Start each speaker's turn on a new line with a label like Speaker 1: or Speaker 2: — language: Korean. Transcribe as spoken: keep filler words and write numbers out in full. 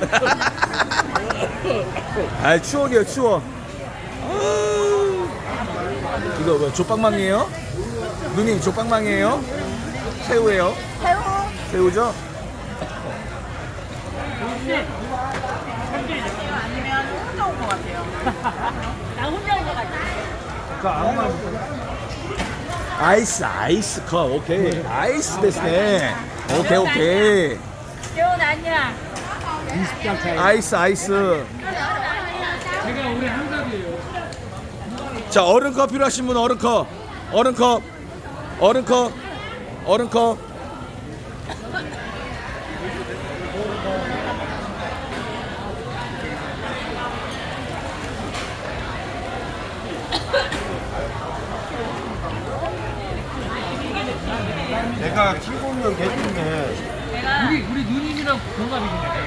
Speaker 1: 아 추억이에요 추억. 이거 뭐 조빵망이에요? 누님 조빵망이에요? 새우예요?
Speaker 2: 새우.
Speaker 1: 새우죠?
Speaker 2: 아니면 혼자 온 것 같아요. 나 혼자 온 것 같아.
Speaker 1: 아이스 아이스 컵 오케이 아이스 됐네. 오케이 오케이
Speaker 2: 재훈 아니야.
Speaker 3: 이십 장 차이.
Speaker 1: 아이스 아이스.
Speaker 3: 제가 올해 한갑이에요.
Speaker 1: 자 얼음컵 필요하신 분 얼음컵 얼음컵 얼음컵 얼음컵.
Speaker 4: 내가 키고 있는 개인데
Speaker 3: 우리 우리 누님이랑 동갑이시네.